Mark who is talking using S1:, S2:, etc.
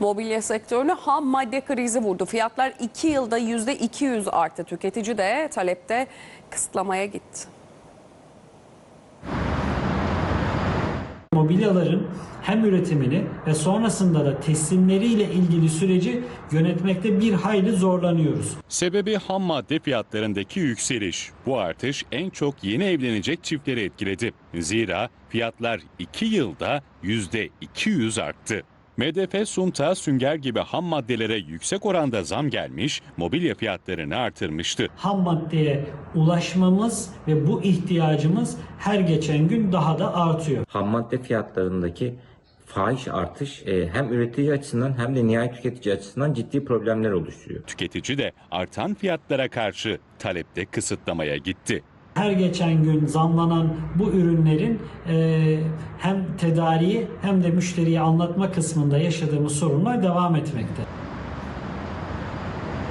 S1: Mobilya sektörünü ham madde krizi vurdu. Fiyatlar 2 yılda %200 arttı. Tüketici de talepte kısıtlamaya gitti.
S2: Mobilyaların hem üretimini ve sonrasında da teslimleriyle ilgili süreci yönetmekte bir hayli zorlanıyoruz.
S3: Sebebi ham madde fiyatlarındaki yükseliş. Bu artış en çok yeni evlenecek çiftleri etkiledi. Zira fiyatlar 2 yılda %200 arttı. MDF, sunta, sünger gibi ham maddelere yüksek oranda zam gelmiş, mobilya fiyatlarını artırmıştı.
S2: Ham maddeye ulaşmamız ve bu ihtiyacımız her geçen gün daha da artıyor.
S4: Ham madde fiyatlarındaki fahiş artış hem üretici açısından hem de nihayet tüketici açısından ciddi problemler oluşturuyor.
S3: Tüketici de artan fiyatlara karşı talepte kısıtlamaya gitti.
S2: Her geçen gün zamlanan bu ürünlerin hem tedariği hem de müşteriye anlatma kısmında yaşadığımız sorunlar devam etmekte.